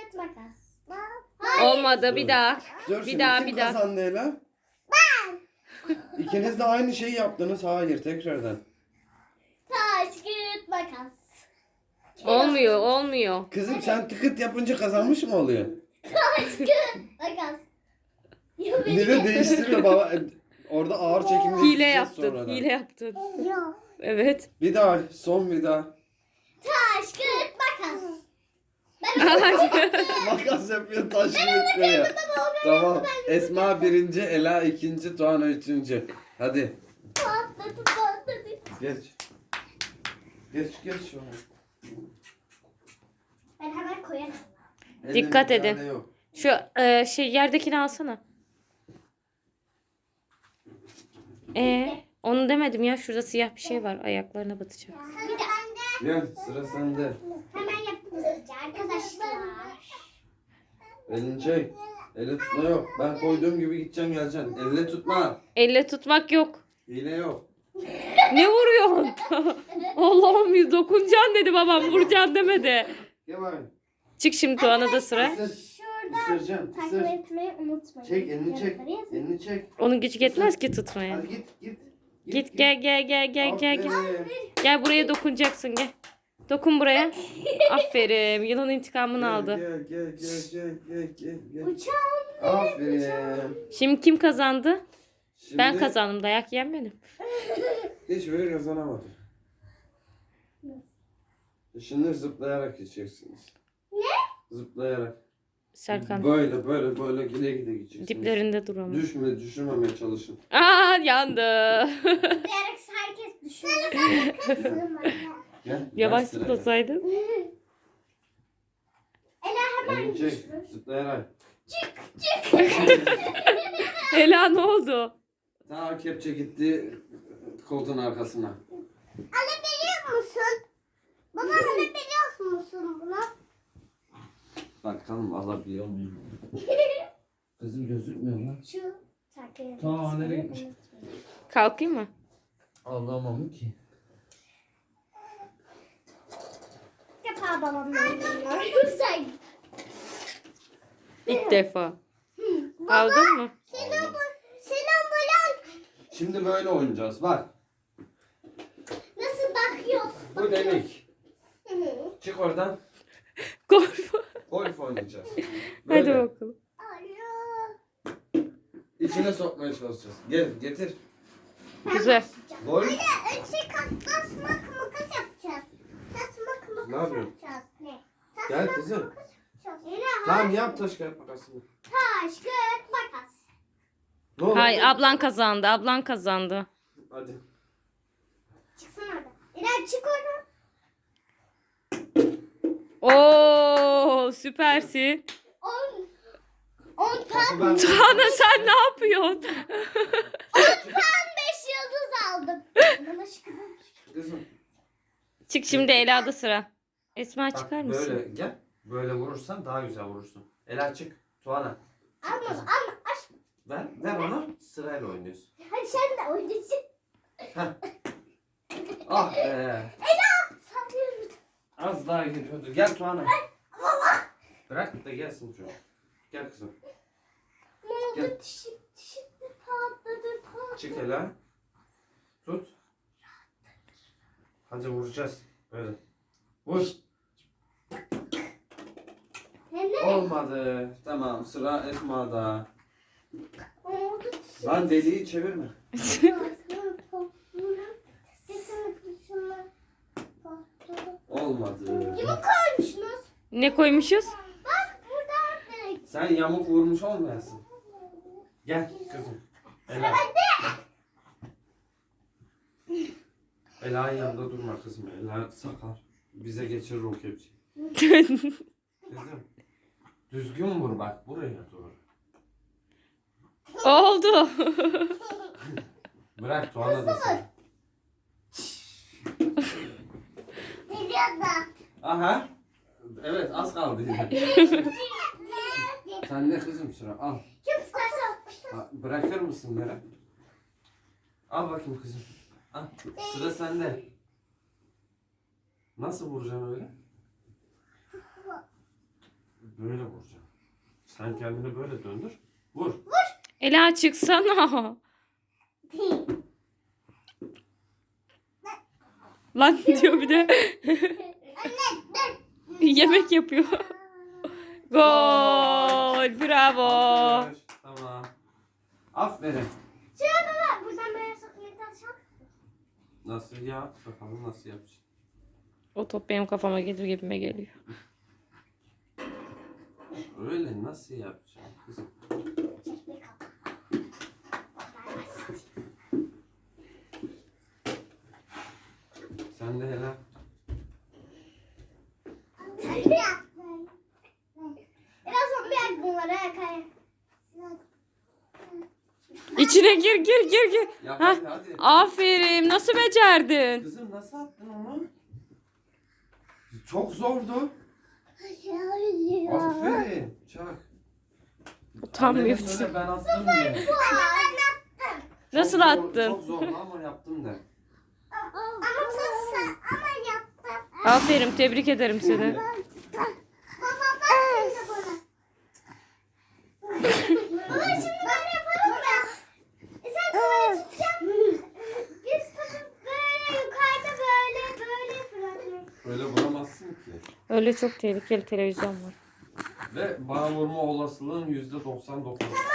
kağıt, makas. Olmadı, bir daha. Dur, Bir şimdi daha, kim bir daha. kazandı Ela? Ben. İkiniz de aynı şeyi yaptınız. Hayır, tekrardan. Taş, kağıt, makas. Olmuyor, olmuyor. Kızım sen tıkıt yapınca kazanmış mı oluyor? Taş, kağıt, makas. Ya Bir de değiştirme baba. Orada ağır çekimde Hile izleyeceğiz yaptın, sonradan. hile yaptın. Yok. Evet. Bir daha, son bir daha. Taş, kağıt, makas. Makas yapıyor, taş yapıyor. Tamam. Esma birinci, Ela ikinci, Tuana üçüncü. Hadi. Patladı, patladı. Geç. Geç şu an. Ben hemen koyarım. Dikkat Elinde bir edin. tane yok. Şu yerdekini alsana. Onu demedim ya. Şurada siyah bir şey var. Ayaklarına batacak. Bir de Gel, sıra sende. hemen yaptık hızlıca arkadaşlar. Elini çek. Elle tutma yok. Ben koyduğum gibi gideceksin geleceksin. Elle tutma. Elle tutmak yok. Hile yok. Ne vuruyorsun? Allah'ım, dokunacaksın dedi babam. Vuracaksın demedi. Gel bari. Çık şimdi, Tuana da sıra. Şurada Isıracağım. takip Isır. etmeyi unutmayın. Çek elini çek. Yanıtları yazın. Elini çek. Onun gücü yetmez ki tutmaya. Hadi git. Git, gel gel. Aferin. Gel buraya dokunacaksın, gel. Dokun buraya. Aferin. Yılan intikamını aldı. Gel. Uçağım. Aferin. Şimdi kim kazandı? Şimdi Ben kazandım. Dayak yiyen benim. hiç böyle kazanamadım. Şimdi zıplayarak geçeceksiniz. Ne? Zıplayarak. Serkan. Böyle gide gideceksiniz. Diplerinde dur ama. Düşürmemeye çalışın. Aa, yandı. Zıplayarak herkes düşünüyor. Gel. Yavaş gel sıraya. zıplasaydın. Ela hemen Elini çek. düşürür. Zıplayarak. Ela, ne oldu? Ta kepçe gitti koltuğun arkasına. Alabiliyor musun? Baba alabiliyor musun bunu? Bakalım alabiliyor muyum? Kızım gözükmüyor lan. Şu takip Ta nereye gitmiş? Kalkayım mı? Anlamam ki. İlk defa babamla oynuyorum sen. İlk defa. Aldın mı? Senin bulan Şimdi böyle oynayacağız. Bak. nasıl bakıyorsun? Bu delik. Hı hı. Çık oradan. Golf. Golf oynayacağız. Hadi Böyle. bakalım. Alo. İçine sokmaya çalışacağız. Gel getir. Güzel. Golf. Önce tasmak makas yapacağız. Tasmak makas Ne yapıyorsun? yapacağız. Ne? Gel kızım. Yapacağız. Tamam yap taş kağıt makasını. Taş, kağıt, makas. Ne oldu? Hayır, ablan kazandı. Ablan kazandı. Hadi. Çıksana oradan. İrem çık oradan. Oo, süpersin. 10 puan. Ben... Tuana, sen ne yapıyorsun? 10 puan 5 yıldız aldım. Bana şükür. Kızım. Çık şimdi, Ela'da sıra. Esma, Bak, çıkar mısın? böyle gel. Böyle vurursan daha güzel vurursun. Ela çık. Tuana. Ama aşk. Ver ona. Sırayla oynuyorsun. Hadi sen de oynayacaksın. Heh. Ah be. Sanıyorum. Az daha geliyordu. Gel Tuana. Bırak da gelsin şu an. Gel kızım. Ne oldu? Gel. Dişim de patladı. Çık Ela. Tut. Hadi vuracağız. Böyle. Vur. Ne? Olmadı. Tamam sıra Esma'da. Oldu. Lan deliği çevirme. Olmadı. Yumuk koymuşsunuz. Ne koymuşuz? Bak burada direkt. Sen yamuk vurmuş olmayasın. Gel kızım. Ela. Ela'nın yanında durma kızım. Ela sakar. Bize geçirir o kepçeyi. Kızım. Düzgün vur bak. Buraya doğru. Oldu. Bırak Tuana da sen. Geliyor da. Aha. Evet az kaldı yine. Sen de kızım sıra al. Kim isterse. Ha, bırakır mısın Meral? Al bakayım kızım. Al. Sıra sende. Nasıl vuracaksın öyle? Böyle vuracaksın. Sen kendini böyle döndür. Vur. Ela çıksana. Lan diyor bir de. Yemek yapıyor. Gol. Bravo. Alkış. Tamam. Aferin. Şuraya baba. Buradan böyle sokmayı taşak. Nasıl ya? Bakalım nasıl yapacaksın. O top benim kafama gelir gibime geliyor. Öyle nasıl yapacaksın kızım? Çekme kapat. Sen de hele. Sen de yaptın. Biraz sonra bir yak bunları yakaya. İçine gir. Yap Hah. hadi. Aferin. Nasıl becerdin? Kızım nasıl attın onu? Çok zordu. Aferin. Çak. Utanmıyor. Annene söyle ben attım diye. Nasıl Çok attın? Çok zordu ama yaptım de. Ama yaptım. Aferin. Tebrik ederim seni. Baba bak şimdi bana. Baba şimdi böyle yaparım ya. Sen kamerayı tutacaksın. Biz tutup böyle yukarıda böyle fırlatıyoruz. Öyle vuramazsın ki. Öyle çok tehlikeli televizyon var. Ve bana vurma olasılığın %99.